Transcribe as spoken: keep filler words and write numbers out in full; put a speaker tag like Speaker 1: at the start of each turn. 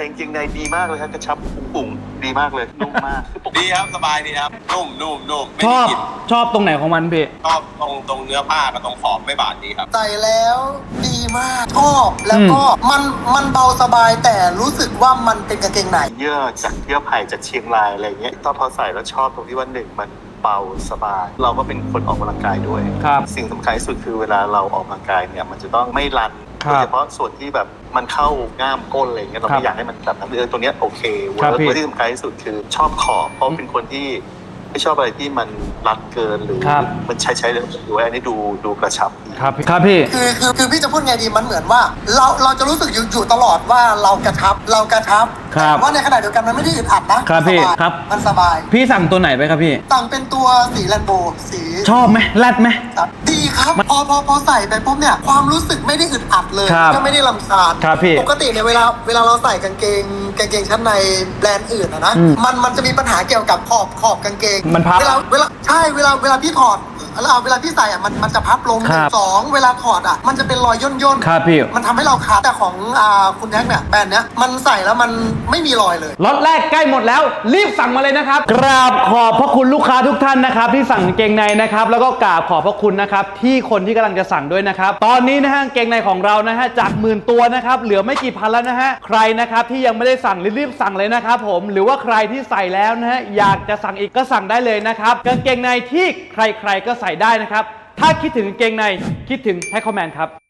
Speaker 1: จริงๆในดีมากเลยครับกระชับปุ๋งๆดีมากเลยนุ่มมาก
Speaker 2: ดีครับสบายดีครับนุ่มนุ่มนุ่มไม่
Speaker 3: ช
Speaker 2: ได้
Speaker 3: อบ
Speaker 2: กลิ่น
Speaker 3: ชอบตรงไหนของมันพี่
Speaker 2: ชอบตรงตรงเนื้อผ้ากับตรงขอบไม่บาดดีครับ
Speaker 4: ใส่แล้วดีมากชอบแล้วก็มันมันเบาสบายแต่รู้สึกว่ามันเป็นกางเกงใน
Speaker 1: เยื่อจากเยื่อไผ่จากเชียงรายอะไรเงี้ยตอนพอใส่แล้วชอบตรงที่ว่าหนึ่งมันเบาสบาย เราก็เป็นคนออกกำลังกายด้วย
Speaker 3: ครับ
Speaker 1: สิ่งสำคัญที่สุดคือเวลาเราออกกำลังกายเนี่ยมันจะต้องไม่รัน
Speaker 3: ครับ
Speaker 1: โดยเฉพาะส่วนที่แบบมันเข้าง่ามก้นอะไรเงี้ยเรา
Speaker 3: ครับ
Speaker 1: ไม่อยากให้มันแบบนั้นเออตัวเนี้ยโอเคเวิ
Speaker 3: ครับ
Speaker 1: ร์ก
Speaker 3: พี่
Speaker 1: และที่สำคัญที่สุดคือชอบขอบเพราะเป็นคนที่ไม่ชอบอะไรที่มันรัดเกินหรือ
Speaker 3: ครับ
Speaker 1: มันใช้ใช้เลยดูอันนี้ดูดูกระชับดี
Speaker 3: ครับครับพี่
Speaker 4: คือคือคือพี่จะพูดไงดีมันเหมือนว่า เราเราจะรู้สึกอยู่อยู่ตลอดว่าเรากระชับเรากระชับ
Speaker 3: ครับ
Speaker 4: แต่ว่าในขณะเดียวกันมันไม่ได้อึดอัดนะครับ
Speaker 3: พี่
Speaker 4: สบาย
Speaker 3: ครับ
Speaker 4: มันสบาย
Speaker 3: พี่สั่งตัวไหนไปครับพี่
Speaker 4: สั่งเป็นตัวสีแลนโบสี
Speaker 3: ชอบไหมแรดไหม
Speaker 4: ดีครับพอพอพอใส่ไปปุ๊บเนี่ยความรู้สึกไม่ได้อึดอัดเลย
Speaker 3: ครับ
Speaker 4: ก็ไม่ได้ลำคาญ
Speaker 3: ครับพี่
Speaker 4: ปกติเนี่ยเวลาเวลาเราใส่กางเกงกางเกงชั้นในแบรนด์อื่นอะนะ
Speaker 3: อืม
Speaker 4: มันมันจะมีปัญหาเกี่ยวกับขอบขอบกางเกง
Speaker 3: มันพับ
Speaker 4: เวลาเวลาใช่เวลาเวลาพี่ถอดแล้วเวลาพี่ใส่อะมันมันจะพับลง
Speaker 3: ครับ
Speaker 4: สองเวลาถอดอะมันจะเป็นรอยย่นย่นๆ
Speaker 3: ครับพี่
Speaker 4: มันทำให้เราขาดแต่ของอ่าคุณแท็กเนี่ยแบรนด์เนี้ยมันใส่แล้วมันไม่มีรอยเลย
Speaker 3: ล็อตแรกใกล้หมดแล้วรีบสั่งมาเลยนะครับกราบขอบพระคุณลูกค้าทุกท่านนะครับที่สั่งกางเกงในนะครับแล้วก็กราบขอบพระคุณนะครับที่คนที่กำลังจะสั่งด้วยนะครับตอนนี้นะฮะกางเกงในของเรานะฮะจากหมื่นตัวนะครับเหลือไม่กี่พันแล้วนะฮะใครนะครับที่ยังไม่ได้สั่งรีบๆสั่งเลยนะครับผมหรือว่าใครที่ใส่แล้วนะฮะอยากจะสั่งอีกก็สั่งได้เลยนะครับกางเกงในที่ใครๆก็ใส่ได้นะครับถ้าคิดถึงกางเกงในคิดถึงไทยคอมแมนครับ